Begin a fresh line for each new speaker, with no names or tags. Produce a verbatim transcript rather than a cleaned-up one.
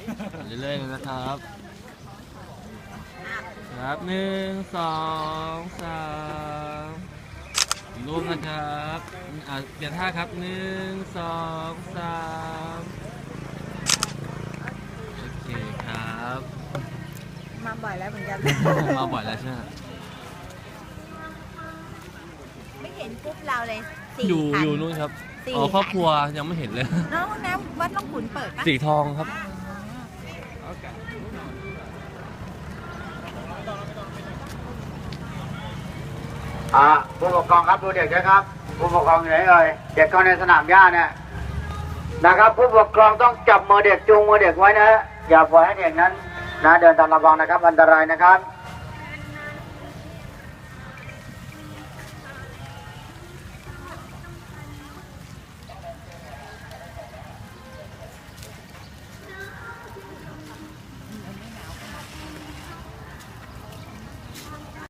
เรื่อยๆนะครับครับหนึ่งสองสามรูปนะครับอ่าเปลี่ยนท่าครับหนึ่งสองสามโอเคครับ
มาบ่อยแล้วเหมือนกัน
มาบ่อยแล้วใช่ไหม
ไม่เห็นกรุ๊ปเราเลยสี่
อยู่
คัน
อยู่นู่นครับ
สี่
อ๋อครอบ
คัน
ครัวยังไม่เห็นเลย
น้องน้ำวัดล่องขุนเปิดปะ
สีทองครับ
อ่าผู้ปกครองครับดูเด็กด้วยครับผู้ปกครองอยู่ไหนเอ่ยเด็กเข้าในสนามหญ้าเนี่ยนะครับผู้ปกครองต้องจับมือเด็กจูงมือเด็กไว้นะฮะอย่าปล่อยให้เด็กนั้นนะเดินตามระวังนะครับอันตรายนะครับ